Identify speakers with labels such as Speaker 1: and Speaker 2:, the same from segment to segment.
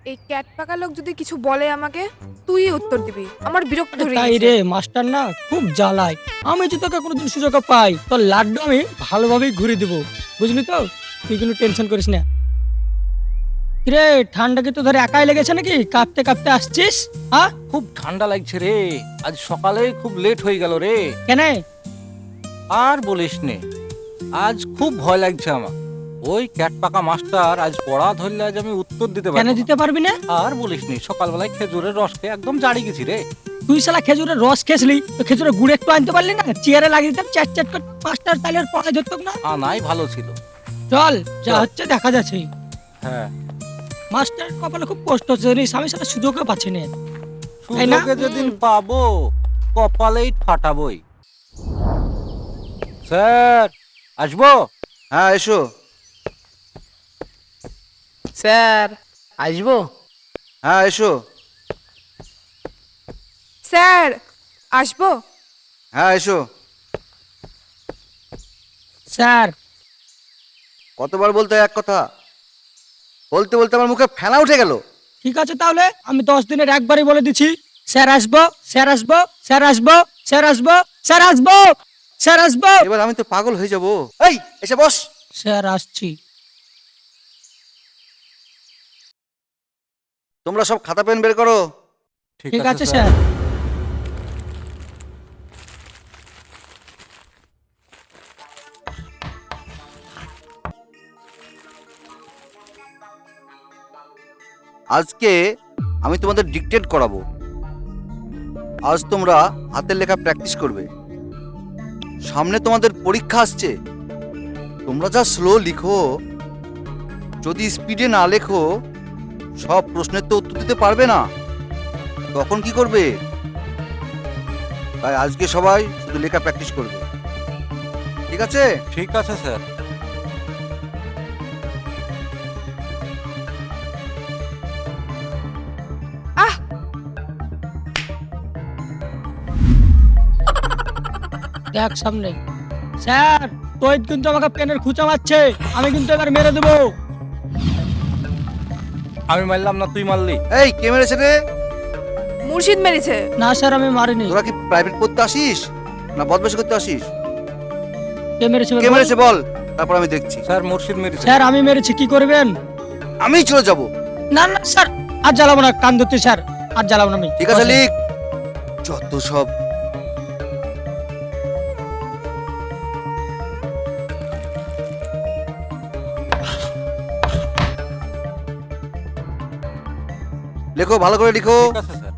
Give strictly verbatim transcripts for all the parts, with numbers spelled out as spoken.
Speaker 1: এই ক্যাট পাকা লোক যদি কিছু বলে আমাকে, তুই উত্তর দিবি। আমার বিরক্ত
Speaker 2: আরে
Speaker 1: হয়ে
Speaker 2: তাই
Speaker 1: গেছে।
Speaker 2: রে, মাস্টার না খুব জ্বালায়। আমি যদি তোকে কোনোদিন সুযোগ পাই তোর লাড্ডু আমি ভালোভাবেই ঘুরে দিব, বুঝলি তো? তুই কোনো টেনশন করিস না। কিরে, ঠান্ডা কি তো ধরে একাই লেগেছে নাকি? কাঁপতে কাঁপতে আসছিস? হ্যাঁ,
Speaker 3: খুব ঠান্ডা লাগছে রে। আজ সকালে খুব লেট হয়ে গেল রে।
Speaker 2: কেন?
Speaker 3: আর বলিস নে, আজ খুব ভয় লাগছে আমার। ওই ক্যাট পাকা মাস্টার আজ পড়া ধরলে আজ আমি উত্তর দিতে
Speaker 2: কেন
Speaker 3: পারবো না।
Speaker 2: দিতে পারবি না?
Speaker 3: আর বলিস নি, সকালবেলায় খেজুরের রস খেয়ে একদম জাড়ি গেছি রে।
Speaker 2: তুই শালা খেজুরের রস খেয়েছিলি, তো খেজুরের গুড় একটু আনতে পারলি না? চেয়ারে লাগিয়ে দিতাম চ্যাট চ্যাট করে, মাস্টার তাহলে আর পড়াই ধরতো না।
Speaker 3: আনাই ভালো ছিল।
Speaker 2: চল, যা
Speaker 3: চল।
Speaker 2: হচ্ছে দেখা যাচ্ছে।
Speaker 3: হ্যাঁ,
Speaker 2: মাস্টার কপালে খুব কষ্ট হচ্ছে জানিস, আমি সেটা সুযোগও পাচ্ছি না। তাই না?
Speaker 3: সুযোগে যেদিন পাবো কপালেই ফাটাবই। স্যার, আসবো?
Speaker 4: হ্যাঁ এসো।
Speaker 5: স্যার আসবো?
Speaker 4: হ্যাঁ এসো।
Speaker 1: স্যার, আসবো?
Speaker 4: হ্যাঁ এসো।
Speaker 2: স্যার,
Speaker 4: কতবার বলতে হয় এক কথা? বলতে বলতে আমার মুখে ফেনা উঠে গেল।
Speaker 2: ঠিক আছে তাহলে আমি দশ দিনের একবারই বলে দিচ্ছি, স্যার আসবো, স্যার আসবো, স্যার আসবো, স্যার আসবো, স্যার আসবো, স্যার আসবো।
Speaker 4: এবার আমি তো পাগল হয়ে যাব। এই এসে বস।
Speaker 2: স্যার আসছি।
Speaker 4: তোমরা সব খাতা পেন বের করো।
Speaker 2: ঠিক আছে স্যার।
Speaker 4: আজকে আমি তোমাদের ডিকটেট করাবো। আজ তোমরা হাতের লেখা প্র্যাকটিস করবে। সামনে তোমাদের পরীক্ষা আসছে। তোমরা যা স্লো লিখো, যদি স্পিডে না লেখো সব প্রশ্নের তো উত্তর দিতে পারবে না। তখন কি করবে? তাই আজকে সবাই শুধু লেখা প্র্যাকটিস করবে, ঠিক আছে?
Speaker 3: ঠিক আছে স্যার।
Speaker 1: আহ,
Speaker 2: দেখ সামনে। স্যার, তোই কিন্তু আমাকে পেনের খুঁচা মারছে, আমি কিন্তু এবার মেরে দেবো।
Speaker 3: আমি মারলাম না, তুই মারলি।
Speaker 4: এই কে মেরেছে রে?
Speaker 1: মুর্শিদ মেরেছে।
Speaker 2: না স্যার, আমি মারিনি।
Speaker 4: তোরা কি প্রাইভেট পড়তে আসিস না বদমাশি করতে আসিস?
Speaker 2: কে মেরেছে
Speaker 4: কে
Speaker 2: বল?
Speaker 4: মেরেছে বল, তারপর আমি দেখছি।
Speaker 3: স্যার, মুর্শিদ মেরেছে।
Speaker 2: স্যার আমি মেরেছি, কি করবেন?
Speaker 4: আমি চলে যাব।
Speaker 2: না না স্যার, আর জ্বালাবো না, কান ধরতে স্যার, আর জ্বালাবো না আমি।
Speaker 4: ঠিক আছে লিখ। যত সব। লেখো, ভালো করে লিখো।
Speaker 3: ঠিক আছে স্যার।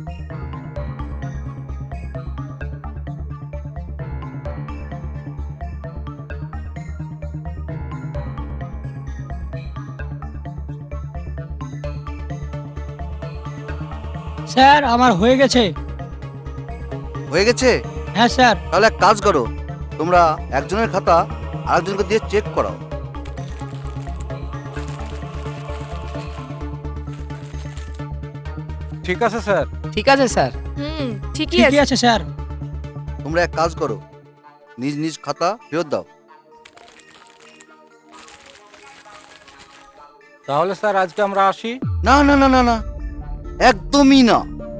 Speaker 2: স্যার আমার হয়ে গেছে।
Speaker 4: হয়ে গেছে?
Speaker 2: হ্যাঁ স্যার।
Speaker 4: তাহলে এক কাজ করো, তোমরা একজনের খাতা আরেকজনকে দিয়ে চেক করাও।
Speaker 3: ঠিক আছে স্যার।
Speaker 5: ঠিক আছে স্যার।
Speaker 1: হুম, ঠিকই
Speaker 2: ঠিকই
Speaker 1: আছে।
Speaker 2: আছে স্যার।
Speaker 4: তোমরা এক কাজ করো, নিজ নিজ খাতা ফেরত দাও।
Speaker 3: তাহলে স্যার আজকে আমরা আসি।
Speaker 4: না না না না না, একদমই না।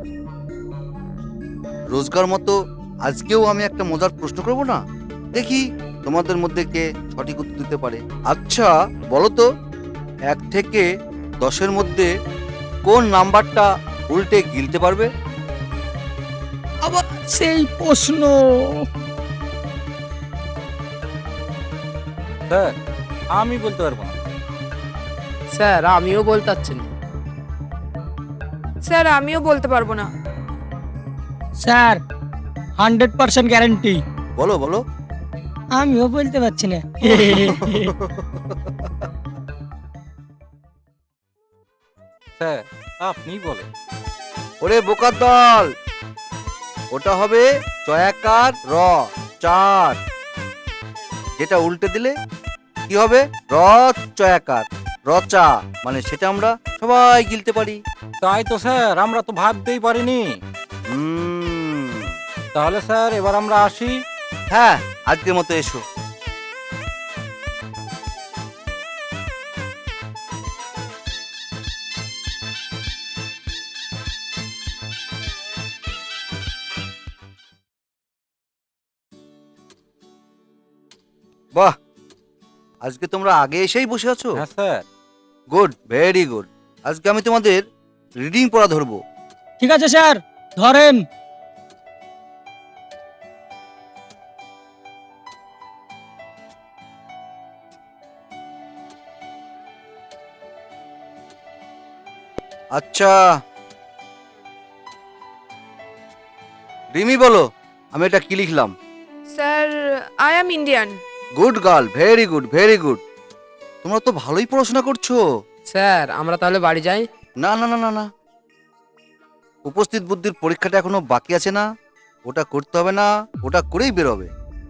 Speaker 4: রোজগার মতো আজকেও আমি একটা মজার প্রশ্ন করব না, দেখি তোমাদের মধ্যে কে সঠিক উত্তর দিতে পারে। আচ্ছা বলো তো, এক থেকে দশের মধ্যে কোন নাম্বারটা উল্টে গিলতে পারবে?
Speaker 2: আবার সেই প্রশ্ন?
Speaker 3: স্যার, আমি বলতে পারবো না।
Speaker 5: স্যার আমিও বলতে পারছি না।
Speaker 1: স্যার, আমিও বলতে পারবো না।
Speaker 2: Sir hundred percent guarantee.
Speaker 4: বলো বলো।
Speaker 2: আমিও বলতে পারছি না।
Speaker 3: স্যার, আপনি বলেন।
Speaker 4: ওরে বোকার দল, ওটা হবে চয়াকার র চার। যেটা উল্টে দিলে কি হবে? র চয়াকার রচা, মানে সেটা আমরা সবাই গিলতে পারি।
Speaker 3: তাই তো স্যার, আমরা তো ভাবতেই পারিনি।
Speaker 4: হুম,
Speaker 3: তাহলে স্যার এবার আমরা আসি।
Speaker 4: হ্যাঁ আজকের মতো এসো। আজকে তোমরা আগে এসেই বসে আছো?
Speaker 3: হ্যাঁ স্যার।
Speaker 4: Good, very good. আজকে আমি তোমাদের রিডিং পড়া ধরবো।
Speaker 2: ঠিক আছে স্যার, ধরেন।
Speaker 4: আচ্ছা, রিমি বলো, আমি এটা কি লিখলাম?
Speaker 1: Sir, I am Indian.
Speaker 4: Good girl, very good, very good. তোমরা তো ভালোই পড়াশোনা করছো।
Speaker 5: স্যার আমরা তাহলে বাড়ি যাই?
Speaker 4: না না না না না, উপস্থিত বুদ্ধির পরীক্ষাটা এখনো বাকি আছে না, ওটা করতে হবে না, ওটা করেই বেরোবে।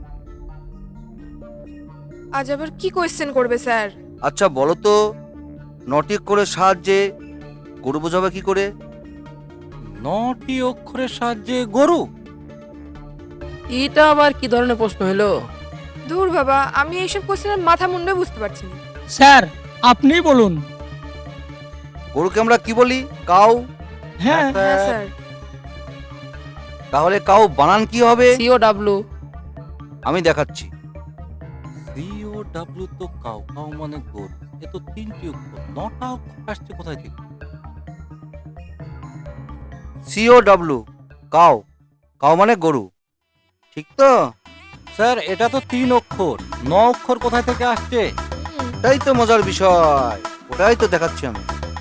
Speaker 1: আজ আবার কি কোয়েশ্চেন করবে স্যার?
Speaker 4: আচ্ছা বলো তো, নটি অক্ষরের সাহায্যে গরু বোঝাবে কি করে?
Speaker 3: নটি অক্ষরের সাহায্যে গরু?
Speaker 5: এটা আবার কি ধরনের প্রশ্ন হলো?
Speaker 1: দূর বাবা, আমি এইসব কোয়েশ্চেনের মাথা মুন্ডে বুঝতে পারছি না।
Speaker 2: স্যার আপনিই বলুন।
Speaker 4: গরুকে আমরা কি বলি? কাউ।
Speaker 2: হ্যাঁ
Speaker 1: হ্যাঁ স্যার।
Speaker 4: তাহলে কাউ বানান কি হবে?
Speaker 5: C O W.
Speaker 4: আমি দেখাচ্ছি।
Speaker 3: সি ও ডাব্লিউ তো কাউ, কাউ মানে গরু। এ তো তিনটি অক্ষর, নটা অক্ষর আসছে কোথায় থেকে?
Speaker 4: CO W, cow. কাউ মানে গরু, ঠিক তো?
Speaker 3: স্যার এটা তো তিন অক্ষর, ন অক্ষর কোথায় থেকে আসছে?
Speaker 4: ওটাই তো মজার বিষয়, ওটাই তো দেখাচ্ছি আমি।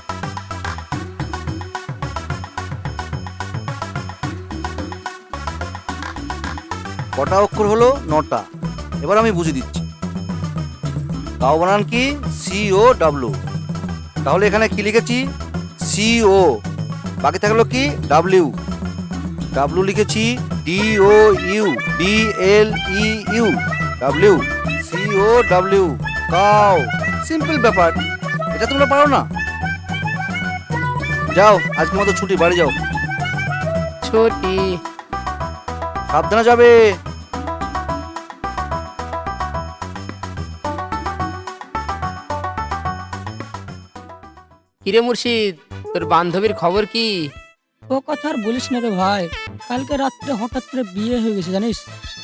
Speaker 4: কটা অক্ষর হলো? নটা। এবার আমি বুঝিয়ে দিচ্ছি। কাউ বানান কি? C O W. তাহলে এখানে কি লিখেছি? সিও, বাকি থাকলো কি? ডাব্লিউ। ডাব্লু লিখেছি D O U, D L E U, W. C O W, cow. Simple ব্যাপার, এটা তোমরা পারো না? যাও, আজকের মতো ছুটি, বাড়ি যাও।
Speaker 5: ছুটি।
Speaker 4: সাবধানে যাবে।
Speaker 5: কিরে মুর্শিদ, তোর বান্ধবীর খবর কি?
Speaker 2: ও কথা আর বলিস না রে ভাই, কালকে রাত্রে হঠাৎ করে বিয়ে হয়ে গেছে জানিস।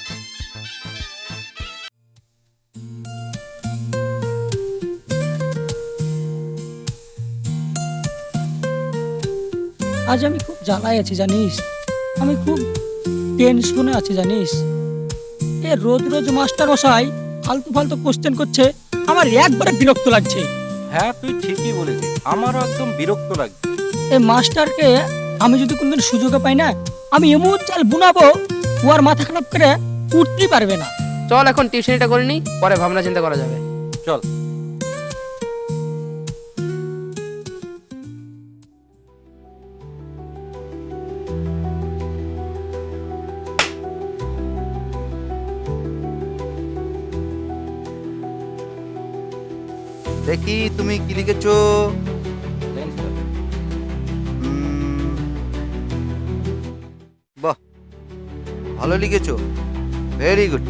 Speaker 2: আজ আমি খুব জ্বালায় আছি জানিস, আমি খুব টেনশনে আছি জানিস। এ রোজ রোজ মাস্টার মশাই ফালতু ফালতু কোশ্চেন করছে, আমার একবারে বিরক্ত লাগছে।
Speaker 3: হ্যাঁ তুই ঠিকই বলেছিস, আমারও একদম বিরক্ত লাগছে।
Speaker 2: এই মাস্টারকে আমি যদি কোনদিন সুযোগে পাই না, আমি এমন চাল বুনাবো ও আর মাথা খারাপ করে উঠতেই পারবে না।
Speaker 5: চল এখন টিউশনিটা করে নি, পরে ভাবনা চিন্তা করা যাবে।
Speaker 3: চল।
Speaker 4: দেখি তুমি কি লিখেছো।
Speaker 3: দেন স্যার।
Speaker 4: উম, বাহ, ভালো লিখেছো, ভেরি গুড।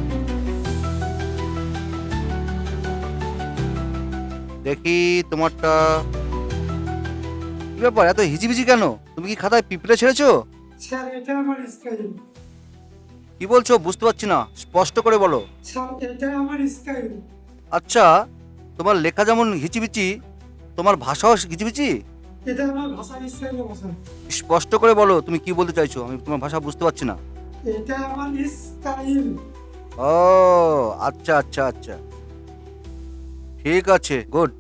Speaker 4: দেখি তোমারটা কি ব্যাপার, এত হিজিবিজি কেন? তুমি কি খাতায় পিঁপড়ে ছেড়েছো?
Speaker 6: স্যার এটা আমার স্টাইল।
Speaker 4: কি বলছো বুঝতে পারছি না, স্পষ্ট করে বলো।
Speaker 6: স্যার এটা আমার স্টাইল।
Speaker 4: আচ্ছা, তোমার লেখা যেমন হিচিবিচি, তোমার ভাষাও হিচিবিচি?
Speaker 6: এটা আমার ভাষার স্টাইল স্যার।
Speaker 4: স্পষ্ট করে বলো তুমি কি বলতে চাইছো, আমি তোমার ভাষা বুঝতে পারছি না।
Speaker 6: এটা আমার স্টাইল।
Speaker 4: ও আচ্ছা আচ্ছা আচ্ছা, ঠিক আছে, গুড।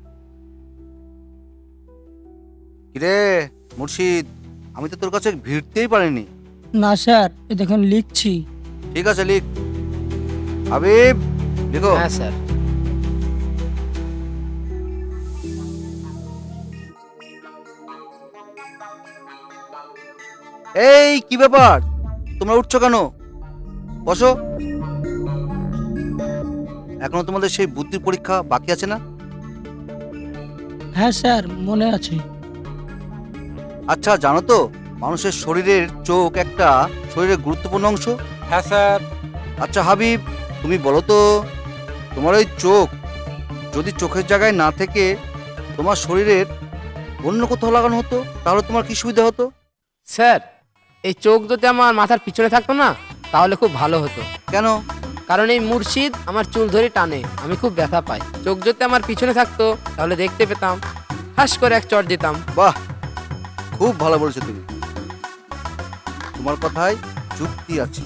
Speaker 4: কিরে মুর্শিদ, আমি তো তোর কাছে ভিড়তেই পারিনি।
Speaker 2: না স্যার, এ দেখুন লিখছি।
Speaker 4: ঠিক আছে লিখ। হাবিব লিখো।
Speaker 5: হ্যাঁ স্যার।
Speaker 4: এই কি ব্যাপার, তোমরা উঠছো কেন? বসো। এখনো তোমাদের সেই বুদ্ধির পরীক্ষা বাকি আছে না?
Speaker 2: হ্যাঁ স্যার, মনে আছে।
Speaker 4: আচ্ছা জানো তো, মানুষের শরীরের চোখ একটা শরীরের গুরুত্বপূর্ণ অংশ।
Speaker 3: হ্যাঁ স্যার।
Speaker 4: আচ্ছা হাবিব, তুমি বলো তো, তোমার ওই চোখ যদি চোখের জায়গায় না থেকে তোমার শরীরের অন্য কোথাও লাগানো হতো, তাহলে তোমার কি সুবিধা হতো?
Speaker 5: স্যার এই চোখ যদি আমার মাথার পিছনে থাকতো না, তাহলে খুব ভালো হতো।
Speaker 4: কেন?
Speaker 5: কারণ এই মুর্শিদ আমার চুল ধরে টানে, আমি খুব ব্যথা পাই। চোখ যদি আমার পিছনে থাকতো তাহলে দেখতে পেতাম, হাস করে এক চট দিতাম।
Speaker 4: বাহ, খুব ভালো বলেছো তুমি, তোমার কথায় যুক্তি আছে।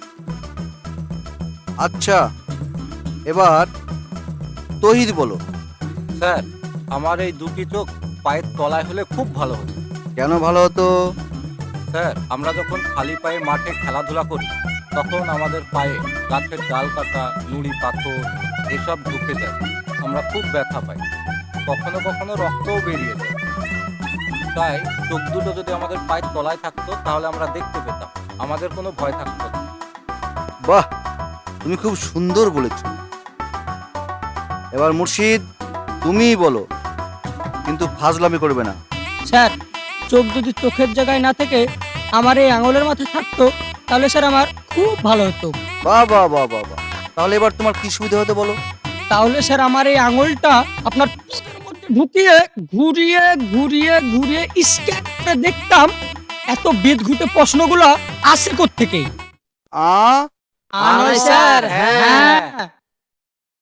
Speaker 4: আচ্ছা, এবার তহিদ বলো।
Speaker 3: স্যার, আমার এই দুটি চোখ পায়ের তলায় হলে খুব ভালো হতো।
Speaker 4: কেন ভালো হতো?
Speaker 3: স্যার, আমরা যখন খালি পায়ে মাঠে খেলাধুলা করি তখন আমাদের পায়ে গাছের ডাল কাটা, নুড়ি পাথর এসব ঢুকে যায়, আমরা খুব ব্যথা পাই, কখনো কখনো রক্তও বেরিয়ে যায়। তাই চোখ দুটো যদি আমাদের পায়ের তলায় থাকতো তাহলে আমরা দেখতে পেতাম, আমাদের কোনো ভয় থাকতো না।
Speaker 4: বাহ, তুমি খুব সুন্দর বলেছ। এবার মুর্শিদ তুমিই বলো, কিন্তু ফাজলামি করবে না।
Speaker 2: স্যার, চোখ যদি চোখের জায়গায় না থেকে আমার এই আঙুলের মাথায় থাকতো তাহলে স্যার আমার খুব ভালো হতো।
Speaker 4: বাহ বাহ বাহ বাহ বাহ, তাহলে এবার তোমার কি সুবিধা হতে বলো?
Speaker 2: তাহলে স্যার আমার এই আঙুলটা আপনার পেটের মধ্যে ঢুকিয়ে ঘুরিয়ে ঘুরিয়ে ঘুরিয়ে স্ক্যান করে দেখতাম এত বিদঘুটে প্রশ্নগুলো আসে কোত্থেকে।
Speaker 4: আ
Speaker 5: আ নয় স্যার, হ্যাঁ।
Speaker 2: হ্যাঁ